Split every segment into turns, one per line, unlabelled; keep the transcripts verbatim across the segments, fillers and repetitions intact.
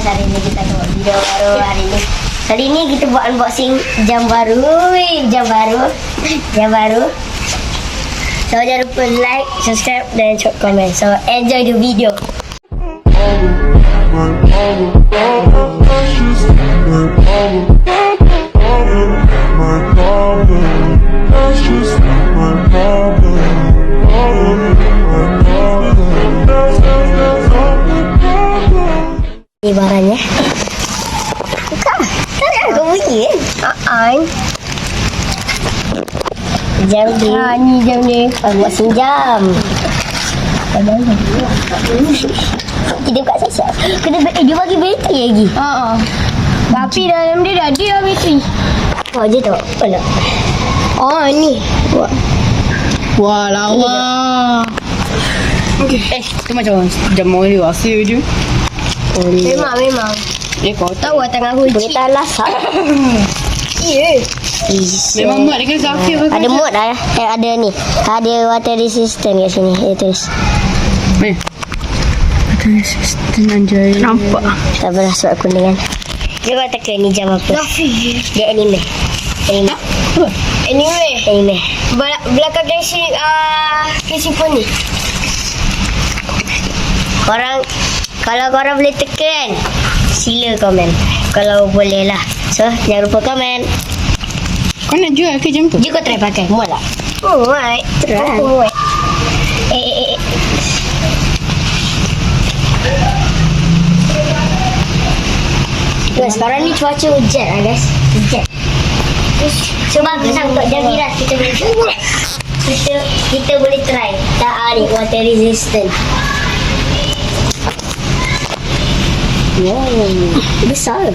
hari ni kita tengok video baru hari ni. Kali ni kita buat unboxing jam baru. Wih, jam baru. Jam baru. So jangan lupa like, subscribe dan drop komen. So enjoy the video. Ni barangnya. Buka. Tak kau bunyi kan? Haa. Jam ni. Ha, ni jam ni. Unboxing jam. Kita buka siap-siap. Kena eh, dia bagi bateri lagi. Haa. Tapi dalam dia dah dia bateri. Oh, je tu. Mana? Oh, ni. Wah.
Wah, lawa. Okay. Eh, tu macam jam mori wasi je.
Oh, memang, memang.
Dia kau
Tahu tengah hujan. Kita lasak. Ya.
Memang muat dengan Zafir.
Ada muat dah. Eh, ada ni. Ada water resistant kat sini. Dia tulis.
Eh. Water resistant anjay.
Nampak. Tak pernah surat kuningan. Dia kau teka ni jam apa? Dia anime. Anime.
Apa?
Anime. Anime. Bel- belakang casing uh, casing phone ni. Korang, kalau korang boleh teka kan, sila komen. Kalau boleh lah. So, jangan lupa komen.
Kau nak jual ke jam tu?
Jom kau try pakai. Muat tak? Muat. Try. Muat. Eh, eh, eh. Guys, sekarang ni cuaca hujan lah guys. Hujan. So, bagus lah untuk jam viras. Kita boleh kita, kita boleh try. Tak ah, ni water resistant. Wow. Besar.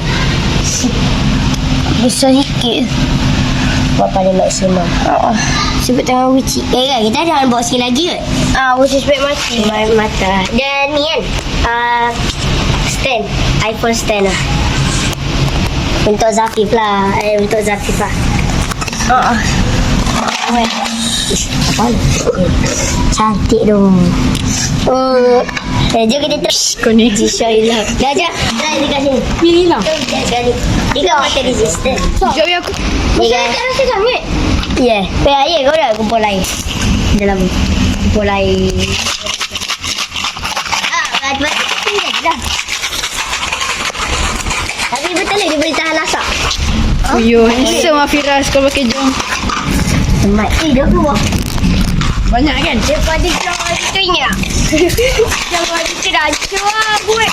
Besar sikit. Buat paling maksimum. Oh, sebut tengah uci. Eh kan, kita ada unboxing lagi ke? Ah, uci sebab mati. Mata. Dan ni kan, uh, stand. iPhone stand lah. Untuk Zafif lah. Eh, untuk Zafif lah. Oh. Weh. Apa ni? Cantik dong. Oh. Eh, jom kita terus.
Kau ni.
Insya-Allah. Dah, jom. Try dekat sini.
Pilih lah.
Jom, sekali. Dia kan water resistant.
Sekejap ya aku.
Dia kan. Tak rasa sangat. Ya. Ya, ya. Kau dah kumpul air. Dalam kumpul air. Ah, batu-batu. Tinggal je dah. Tapi betul lah dia boleh tahan lasak.
Oh, yo, handsome lah Firas kau pakai jam.
Semat. Eh, dah keluar.
Banyak kan?
Daripada jam kita ingat. Jam kita dah hancur lah buat.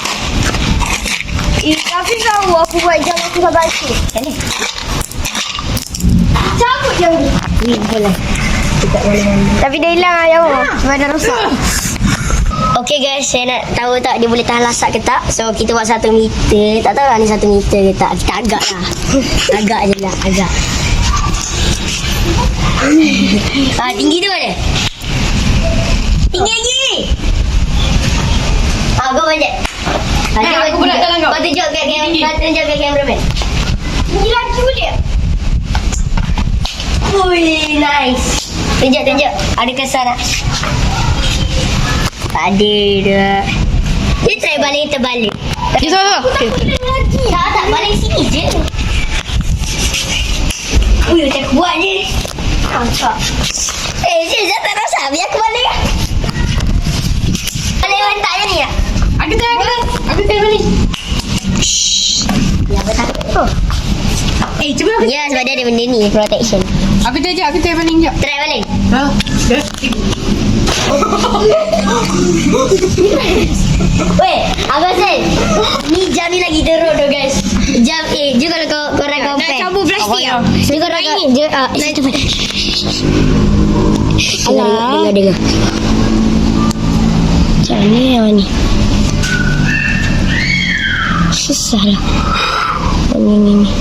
Eh, tapi tahu aku buat jam aku dah baca. Macam ni. Cabut jam ni. Ni boleh. Tidak boleh. Tapi dah hilang lah jam. Sebab dah rosak. Okay guys, saya nak tahu tak dia boleh tahan lasak ke tak. So kita buat satu meter. Tak tahu lah ni satu meter ke tak. Kita agak lah. Agak je lah. Agak. Ah, tinggi tu mana? Tinggi lagi. Ah, kau banyak. Ah,
Eh, aku pula dalam kau.
Kau tunjuk kat kamera. Kau tunjuk kat cameraman. Tinggi lagi boleh. Ui, nice. Tunjuk, tunjuk. Ada kesan tak? Tak ada dah. Dia try baling terbalik.
Dia salah.
Tak, tak. Baling sini je. Ui, macam aku buat je. Nampak. Eh, Zul, jangan tak rasa. Biar aku balik lah. Balik bentak je ni lah.
Aku try aku. Aku try balik.
Ya, betul. Oh.
Eh, cuba aku.
Ya, sebab dia ada benda ni. Protection.
Aku try je. Aku try balik jap.
Try balik.
Ha?
Weh, Abang Sen. Ni jam ni lagi teruk tu guys. Jam eh, je kalau kau korang compare.
Nak cabut plastik ah.
Ni kau nak ni. Je ah, situ. Alah, dengar dengar. Macam mana yang ni? Susah lah. Ni ni ni.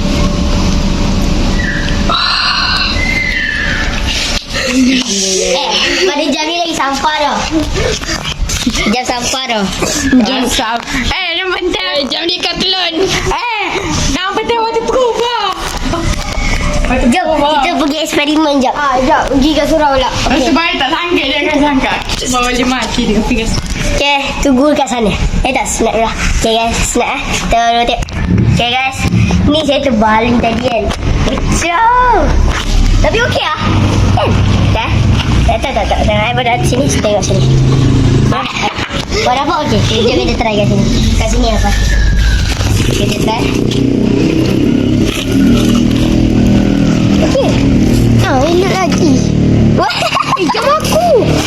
Eh, pada jam ni lagi sampah dah. Jam sampah dah.
Jam sam. Eh, dah bentar. Jam ni Decathlon. Eh, nak betul waterproof lah.
Jom, kita pergi eksperimen jap. Ah, jap. Pergi kat surau pula.
Okay. Sebab tak sangka dia akan sangka. Bawa dia mati dia pergi.
Okay, tunggu kat sana. Eh tak, snap lah. Okay guys, snap eh. Kita rotate. Okay guys, ni saya terbaling tadi kan. Kacau. Tapi okey lah. Kan? Dah? Tak, tak, tak, tak. Tengok eh, pada sini, tengok sini. Buat apa okey? Sekejap kita try kat sini. Kat sini apa? Kita try. Okey. Ah, elok lagi. Wah, jom aku.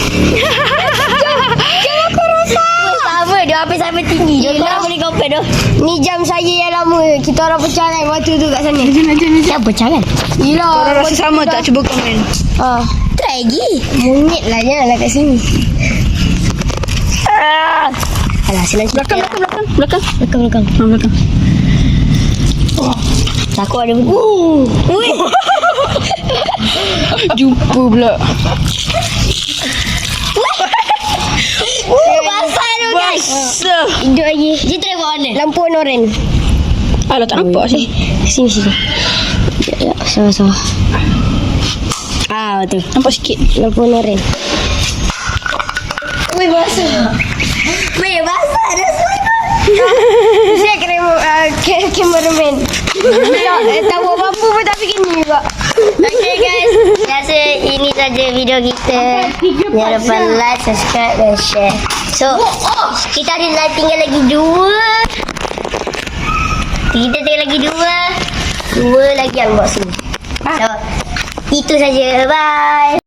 Jam aku rosak. Sama, dia habis sampai tinggi. Dia korang boleh compare tu. Ni jam saya yang lama. Kita orang pecah kan waktu tu kat sana.
Jom, jom, jom.
Siapa pecah kan? Yelah.
Korang rasa sama tak? Cuba komen.
Ah, try lagi. Mungit lah janganlah kat sini. Ah. Alah, senang cerita.
Belakang, belakang, belakang. Belakang.
Belakang, belakang.
Ha, belakang.
Takut ada benda. Uh. Ui.
Jumpa pula.
Uh, basah tu guys.
Basah.
Hidup lagi. Dia try buat mana? Lampu warna oren.
Alah, tak nampak sih.
Sini, sini. Sekejap, sekejap. Salah, salah. Ah, betul.
Nampak sikit.
Lampu warna oren. Ui, basah. Weh, basah dah semua. Saya kena uh, cameraman. Tak, eh, tak buat apa-apa pun tak fikir ni juga. Okay guys, rasa ini saja video kita. Jangan lupa like, subscribe dan share. So, kita ada lagi tinggal lagi dua. Kita tinggal lagi dua. Dua lagi unboxing. So, itu saja. Bye.